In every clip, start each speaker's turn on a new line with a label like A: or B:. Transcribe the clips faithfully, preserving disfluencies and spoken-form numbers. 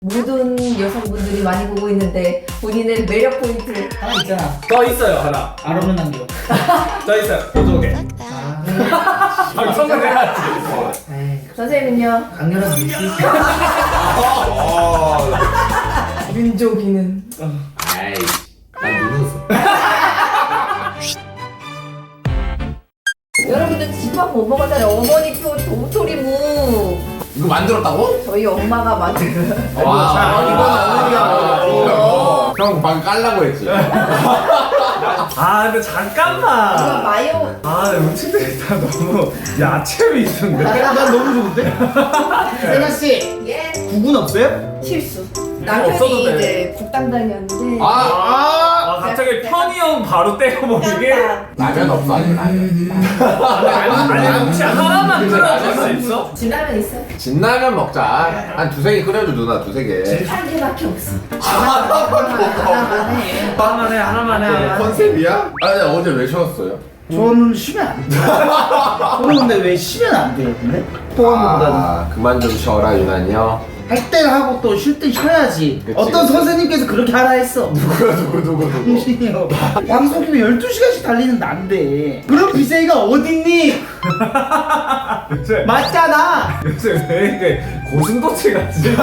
A: 모든 여성분들이 많이 보고 있는데 본인의 매력 포인트
B: 하나 있잖아.
C: 더 있어요 하나.
B: 안 오는 남겨.
C: 더 있어요. 보조개.
B: 아,
C: 방송을 해야지.
B: 에이,
A: 선생님은요?
B: 강렬한 밀수.
A: 윤종이는
D: 아이, 난 누르었어.
A: 여러분들 집밥 못 먹었잖아요. 어머니표 도토리묵
D: 이거 만들었다고?
A: 저희 엄마가 만든
D: 와,
B: 자, 이건 어머니가
D: 어, 형 방금 깔라고 했지.
C: 아 근데
A: 이거
C: 잠깐만.
A: 마요
C: 아 음식들이 다 너무 야채 위주인데.
B: 난 너무 좋은데? 세나 씨,
A: 예
B: 국은 없어요?
A: 실수
C: 없어도
A: 남편이
C: 돼.
A: 이제 국담당이었는데
D: 아,
C: 아 갑자기 편의점 바로 떼어버리게.
D: 라면 없어, 아니 라면.
C: 아니 혹시 하나만 끓여줄 수 있어?
A: 진라면 있어요?
D: 진라면 먹자. 한 두세 개 끓여줘 누나, 두세 개.
A: 한 개밖에 없어 하나만 해
C: 하나만 해 하나만 해.
D: 컨셉이야? 아, 근데 어제 왜 쉬었어요?
B: 저는 쉬면 안 돼요. 저는 근데 왜 쉬면 안 돼요, 근데? 포함보다는.
D: 아, 그만 좀 쉬어라 유난히요.
B: 할 때 하고 또 쉴 때 쉬어야지.
D: 그치,
B: 어떤
D: 그치.
B: 선생님께서 그렇게 하라 했어.
D: 누구야 누구 누구 누구.
B: 당신이요. 방송이면 열두 시간씩 달리는 난데. 그런 비세이가 어딨니?
C: 요새
B: 맞잖아.
C: 요새 왜 이렇게 고슴도치 같지?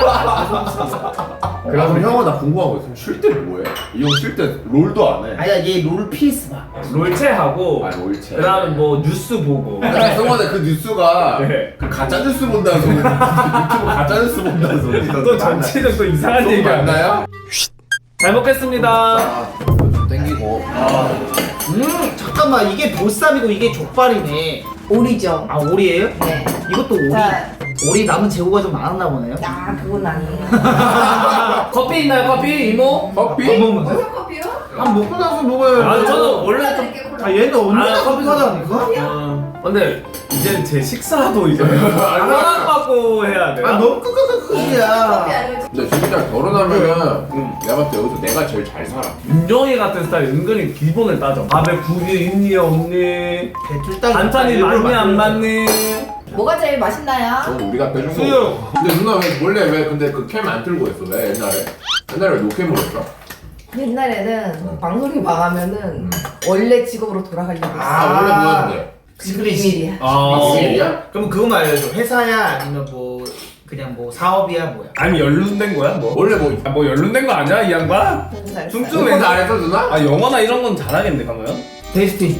D: 그럼 형아 나 궁금한 거 있으면 쉴 때는 뭐해? 이 형 쉴 때 롤도 안 해.
B: 아니야, 얘 롤 피스 봐.
C: 롤체하고
D: 아, 롤체.
C: 그다음에 뭐 뉴스 보고.
D: 야, 성원아 그 뉴스가
C: 네.
D: 그 가짜 뉴스 본다는 소리. 유튜브 가짜 뉴스 본다는 소리.
C: 또 정치적 또 이상한
D: 좀
C: 얘기
D: 맞나요?
C: 잘 먹겠습니다.
D: 아, 좀 땡기고.
B: 음, 잠깐만, 이게 보쌈이고 이게 족발이네.
A: 오리죠
B: 아, 오리예요?
A: 네
B: 이것도 오리.
A: 자,
B: 오리 남은 재고가 좀 많았나 보네요.
A: 아 그건 아니에요
C: 커피 있나요 커피 이모?
D: 커피?
B: 먹으면
A: 무슨 커피요?
B: 아, 먹고 나서 먹어요.
C: 아 저는 원래 좀.
B: 아, 얘는 언제나
C: 아,
B: 커피 사다니까?
C: 어, 근데 이제 제 식사도 이제 허락받고 해야 돼.
B: 아, 너무
A: 커피
B: 끄끄끄끄야.
A: 아니면
D: 근데 진짜 결혼하면은 내가 봤을 때 여기서 내가 제일 잘 살아.
C: 윤정이 같은 스타일 은근히 기본을 따져. 밥에 국이 있니 없니?
B: 배틀
C: 반찬이 많니 안 많니?
A: 뭐가 제일 맛있나요?
D: 저는 우리가 빼준 거.
C: 수육.
D: 근데 누나 왜 원래 왜 근데 그 캠 안 틀고 했어? 왜 옛날에? 옛날에 왜 노캠으로 했어?
A: 옛날에는 방송이 망하면은 원래 직업으로 돌아가려고 했어
D: 아, 원래 뭐였는데?
A: 비밀이야
C: 아,
D: 비밀이야?
B: 그럼 그거만 알려줘. 회사야? 아니면 뭐 그냥 뭐 사업이야? 뭐야?
C: 아니 연륜된 거야 뭐?
D: 원래 뭐
C: 아, 뭐 연륜된 거 아니야 이 양반?
A: 공사했어요.
C: 춤추-
D: 공부 안 했어 누나?
C: 아 영어나 이런 건 잘하겠네 그러면?
B: 데스틴.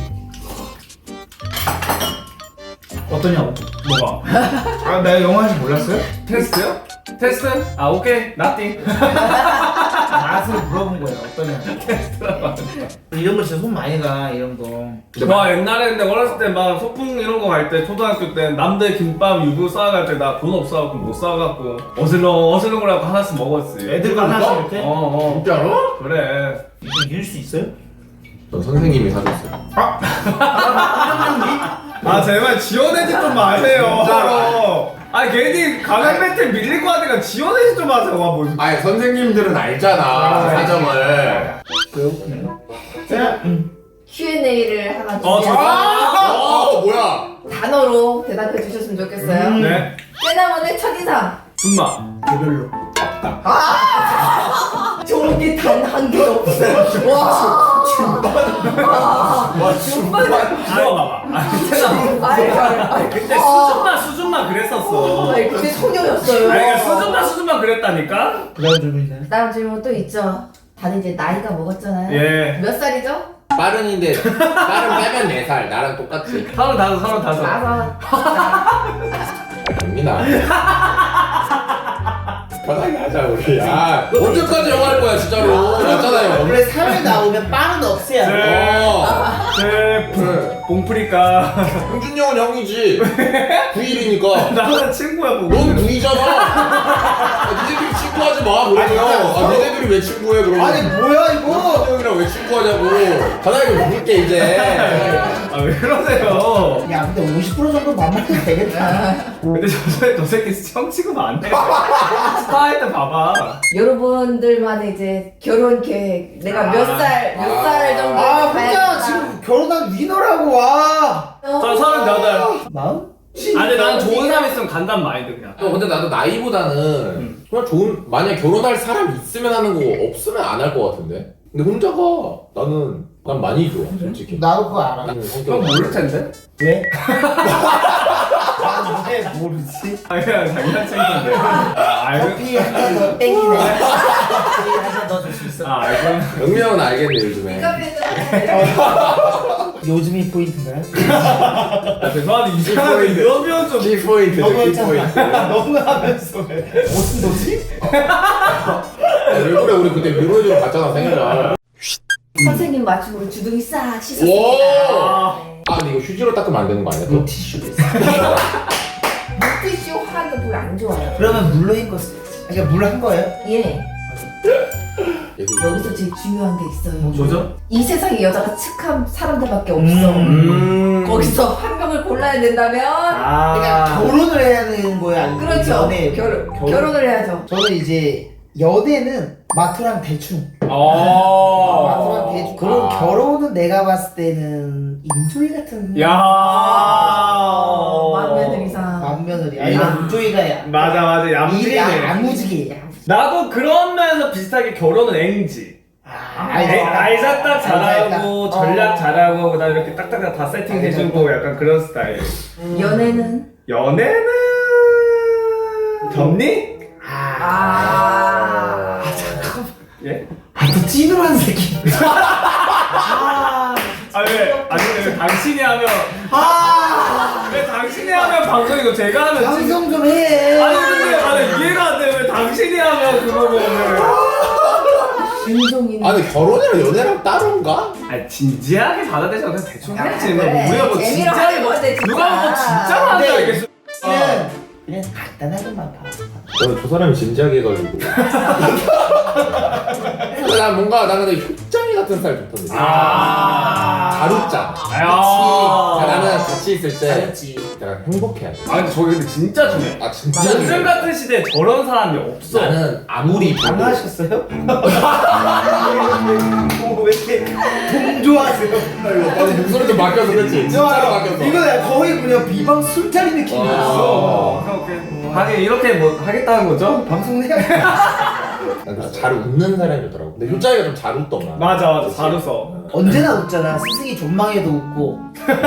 B: 어떠냐고?
C: 뭐가?
B: 아, 내가 영어 할줄 몰랐어요?
C: 테스트요? 테스트? 아 오케이 나띵.
B: 맛을 물어본 거예요. 어떠냐고. 이런 거 진짜 손 많이 가, 이런 거.
C: 와 옛날에 근데 어렸을 때 막 소풍 이런 거 갈 때 초등학교 때 남들 김밥 유부 싸갈 때 나 돈 없어갖고 못 싸갖고 어슬렁 어슬렁거려갖고 하나씩 먹었지.
B: 애들 하나씩 이렇게?
C: 어어
D: 진짜로?
C: 그래.
B: 이거 이길 수 있어요?
D: 저 선생님이 사줬어요.
C: 아 제발 지원해지 좀 마세요.
D: 진짜로.
C: 아 괜히 가면 배틀 밀리고 하니까 지원해지 좀 하세요. 와 뭐.
D: 아니 선생님들은 알잖아 사정을.
B: 자, 응.
A: 큐 앤 에이를 하나
C: 어,
A: 준비해서
D: 아, 어 뭐야?
A: 단어로 대답해 주셨으면 좋겠어요
B: 음.
C: 네.
A: 세나몬의 첫인상
C: 준마.
B: 개별로.
A: 좋은 게 단 한 개도 없어요 와
D: 와 중반.
C: 들어봐봐. 아 그때나.
A: 아이 아이
C: 그때 수준만 수준만 그랬었어.
A: 아이 그때 소녀였어요
C: 아니 그러니까 수준만 수준만 그랬다니까.
B: 그 다음 질문이네.
A: 다음 질문 또 있죠 다들 이제 나이가 먹었잖아요
C: 예.
A: 몇 살이죠?
D: 빠른인데 빠른 빼면 네 살 나랑 똑같지.
C: 서른 다섯 서른 다섯.
A: 나서
D: 됩니다. 편하게 하자 우리. 아 언제까지 영화 할 거야 진짜로. 맞잖아요.
B: 원래 사회 나오면 빠른 없애야 돼.
D: 어.
C: 제
D: 그래.
C: 봉프리까.
D: 홍준이 형은 형이지. 구일이니까.
C: 나랑 친구야 뭐.
D: 넌 구이잖아. 아, 니네들이 친구하지 마 그러면. 아 니네들이 왜 친구해 그러면.
B: 아니, 뭐야, 이거?
D: 홍준이 형이랑 왜 친구하냐고. 편하게 물게 이제.
C: 아 왜 그러세요?
B: 야, 근데 오십 퍼센트 정도 만나면 되겠다.
C: 근데 저, 새- 저 새끼 형 취급 안 해. 스타일 때 봐봐.
A: 여러분들만의 이제 결혼 계획 내가
C: 아.
A: 몇 살 몇 살
D: 아.
A: 정도
B: 아, 혼자 지금 결혼한 위너라고 와.
C: 저 서른여덟.
B: 마음?
C: 아 근데 난 좋은 사람 있으면 간단 마인드 그냥.
D: 또 근데 나도 나이보다는 그냥 좋은 만약 결혼할 사람 있으면 하는 거 없으면 안 할 것 같은데. 근데 혼자가 나는 난 많이 좋아 솔직히.
B: 나도 그거 알아.
D: 나는
C: 형
D: 성격
C: 모를 텐데?
B: 왜? 나왜 모르지?
C: 아 그냥 장난친건데. 아 알고.
B: 커피 한잔더 땡기네. 커피 한잔더 줄 수 있어.
C: 아 알고.
D: 영미 형은 알겠네 요즘에.
B: 요즘이 포인트인가요?
C: 아 죄송한데 이상하게
D: 포인트.
C: 이러면 좀.
D: 키 포인트,
B: 너무
D: 키
B: 했잖아.
D: 포인트.
B: 너무 하면서 왜? 무슨 도지?
D: 왜 그래 우리 그때 뮤로즈로 갔잖아 생일날.
A: 선생님 맞춤으로 주둥이 싹
D: 오!
A: 씻었습니다. 네.
D: 아 근데 이거 휴지로 닦으면 안 되는 거 아니야 또?
B: 물티슈도 있어.
A: 물티슈 하는 거 별로 안 좋아요.
B: 그러면 물로 헹궜어야지. 그러니까 물로 한 거예요?
A: 예.
D: 얘도
A: 여기서 제일 중요한 게 있어요.
C: 뭐죠?
A: 이 세상에 여자가 측한 사람들밖에 없어.
C: 음.
A: 거기서 한 명을 골라야 된다면
B: 그러니까
C: 아.
B: 결혼을 해야 되는 거야? 아니면
A: 그렇죠.
B: 연애?
A: 결,
B: 결혼?
A: 결혼을 해야죠.
B: 저는 이제 연애는 마트랑 대충.
C: 어.
B: 마트랑 대충. 그리고
C: 아.
B: 결혼은 내가 봤을 때는 인조이 같은.
C: 야.
A: 어, 맏며느리상.
B: 맏며느리.
C: 야.
B: 아니 난 인조이가야.
C: 맞아 맞아
B: 일이
C: 얌전해.
B: 야무지게. 야무지게.
C: 나도 그런 면에서 비슷하게 결혼은 앵지.
B: 아,
C: 알- 알사 딱 잘하고
B: 알사 딱.
C: 전략
B: 어.
C: 잘하고 그다음에 이렇게 딱딱딱 다 세팅해주고 약간 그런 스타일.
A: 연애는
C: 연애는 겹니?
B: 아.
A: 아.
C: 예?
B: 아, 또 찐으로한 새끼. 아.
C: 아 왜? 아니 왜 당신이 하면
B: 아.
C: 왜 당신이 하면 방송이고 제가 하면 찐-
B: 방송 좀 해.
C: 아니 근데 나는 이해가 안 돼. 왜 당신이 하면 그거고
A: 윤종이는
D: 아 근데 결혼이랑 연애랑 따로인가?
C: 아 진지하게 받아들여서 그냥 대충 해야지. 뭐
A: 그래.
C: 우리가 뭐
A: 재미로 하는
C: 진짜
A: 건데, 진짜.
C: 누가 뭐 진짜로 한다
B: 네.
C: 이게.
B: 그냥 그냥 간단하게만 봐.
D: 저는 저 사람이 진지하게 해가지고. 근데 난 뭔가 나는 효짱이 같은 스타일 좋던데.
C: 아.
D: 잘 웃자.
C: 아.
D: 아, 나는 같이 있을 때
B: 잘했지.
D: 약간 행복해야 돼.
C: 아 근데 저게 근데 진짜 중요해.
D: 아 진짜.
C: 요즘
D: 중요해.
C: 같은 시대에 저런 사람이 없어.
D: 나는 아무리 봐도
B: 당하셨어요? 뭐 왜 이렇게 동조하세요?
D: 아니 목소리도 바뀌어서 그렇지. 진짜로 바뀌었어.
B: 이거 거의 그냥 비방 술자리 느낌이었어.
C: 어, 오케이 오케이. 하긴 이렇게 뭐 하겠다는 거죠?
B: 방송 해야
D: 난 그래서 잘 웃는 사람이 좋더라고. 근데 효짱이가 좀 잘 웃더만.
C: 맞아 맞아 잘 웃어.
B: 언제나 웃잖아. 스승이 존망해도 웃고.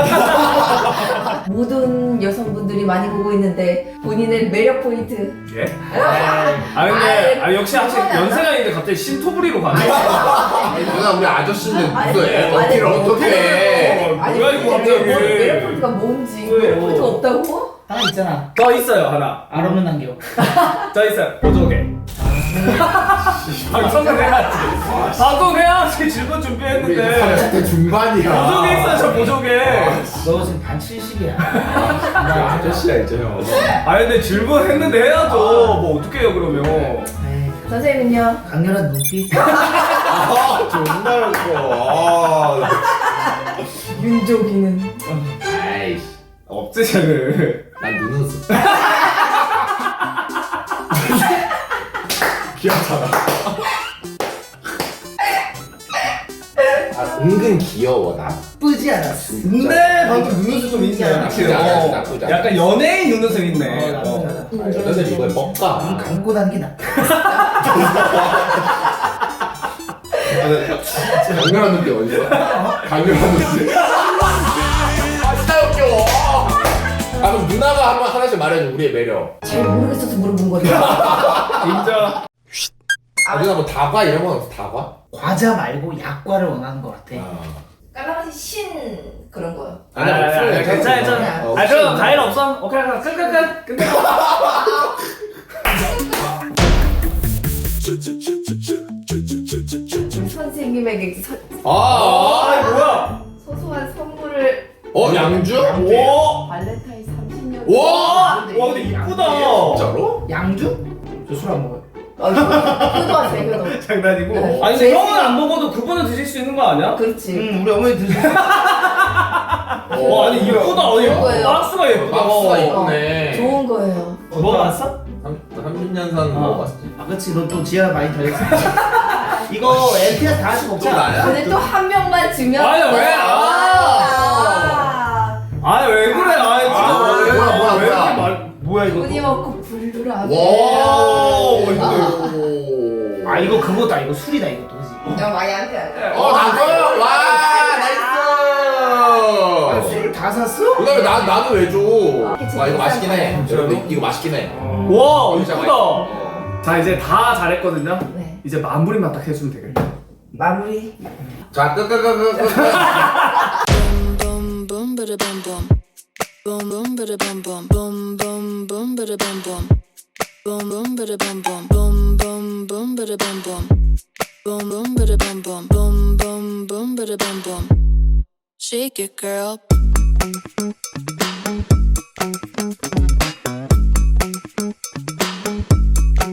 A: 모든 여성분들이 많이 보고 있는데 본인의 매력 포인트.
C: 예? 아 근데 아 역시 아직
A: 그건 안
C: 연세가인데 갑자기 신토부리로 가네.
D: 아니 누나 우리 아저씨인데
A: 아니,
D: 무슨 애
A: 아니,
D: 어필을
A: 아니,
D: 어떻게 해?
C: 어, 뭐야 이거
A: 뭐,
C: 갑자기.
A: 매력 포인트가 뭔지 매력 포인트가 없다고?
B: 하나 있잖아.
C: 저 있어요 하나.
B: 알 없는 안경.
C: 저 있어요 보조개. 방송을 해야지. 방송해야지 질문
D: 우리
C: 준비했는데.
D: 삼십 대 중반이야.
C: 보조개 있어요 저 보조개.
B: 너 지금 반 칠십이야.
D: 나 아저씨야 이제 형.
C: 아 근데 질문 했는데 해야죠. 뭐 어떻게 해요 그러면.
B: 에이,
A: 선생님은요?
B: 강렬한 눈빛.
D: 아 존나 웃겨. 아,
A: 윤종이는
D: 아이씨.
C: 없지 쟤는.
D: 난 눈웃음. 귀엽잖아. 아 은근 귀여워 나.
B: 나쁘지 않았어.
C: 근데 방금 눈웃음 좀 있네.
B: 나쁘지
D: 않아,
C: 어,
D: 나쁘지 않아.
C: 약간 연예인 눈웃음 있네.
B: 어,
C: 어.
B: 나쁘지 않아.
D: 아, 여자들 이거에
B: 눈
D: 뻑가.
B: 감고 다는 게 나.
D: 강렬한 눈빛 어디서? 강렬한 눈빛. 아 진짜 웃겨. 아 그럼 누나가 한번 하나씩 말해줘 우리의 매력.
A: 잘 모르겠어서 물어본 거죠.
C: 진짜.
D: 아 누나 뭐 다과 이런 건 없어 다과?
B: 과자 말고 약과를 원하는 것 같아.
A: 까라맛이 신 그런 거요.
C: 아니 아니 아니 괜찮아 괜찮아.
D: 어,
C: 아 그럼
D: 혹시-
C: 과일 없어? 오케이 그럼 끝끝끝 끝.
A: 선생님에게 서,
D: 아,
C: 아
D: 아,
C: 뭐야?
A: 소소한 선물을
D: 어 양주?
C: 오.
A: 발렌타인 삼십 년.
D: 와!
C: 와 근데 이쁘다.
D: 진짜로?
B: 양주? 저 술 안 먹어요.
A: 효도하세요 효도.
C: 장난이고.
A: 네.
C: 아니 근데 형은 안 먹어도 그분은 드실 수 있는 거 아니야?
A: 그렇지.
B: 응, 우리 어머니 드세요.
C: 와 아니 이쁘다. 아니
A: 좋은 거예요.
C: 박스가 예쁘다.
D: 박스가
A: 어,
D: 이쁘네.
A: 좋은 거예요.
C: 먹어봤어?
D: 삼십 년산
C: 어.
D: 먹어봤지.
B: 아, 그치. 너 또 지하 많이 달렸어. 이거 엠피가 다 할 수가
D: 또
B: 없잖아.
D: 나야?
A: 근데 또 한 명만 주면.
C: 아니, 왜?
A: 아.
C: 아니 왜 그래? 아니 진짜
D: 아,
C: 왜?
D: 뭐야 뭐야
C: 왜 이렇게
D: 뭐야.
C: 말?
B: 뭐야 이거?
A: 돈이 먹고 불을 안
D: 와.
C: 오.
B: 아 이거 그거다. 이거 술이다 이거 도지.
A: 야 많이 안 돼.
D: 어 나도 와
B: 아,
D: 나이스.
B: 술을 다 샀어?
D: 그다음에 나 나도 왜 줘?
A: 이렇게
D: 와 이거 맛있긴 해.
A: 재밌었어요.
D: 여러분 이거 맛있긴 해.
C: 와
D: 진짜
C: 이쁘다.
D: 맛있어.
C: 자 이제 다 잘했거든요.
A: 네.
C: 이제 마무리만 딱 해주면 되겠다.
B: 마무리.
D: 자 끄끄끄끄끄.
E: boom boom bada bum bum boom boom bada bum bum boom boom boom bada bum bum boom boom bada bum bum boom boom boom bada bum bum boom boom bada bum bum boom boom boom bada bum bum shake it girl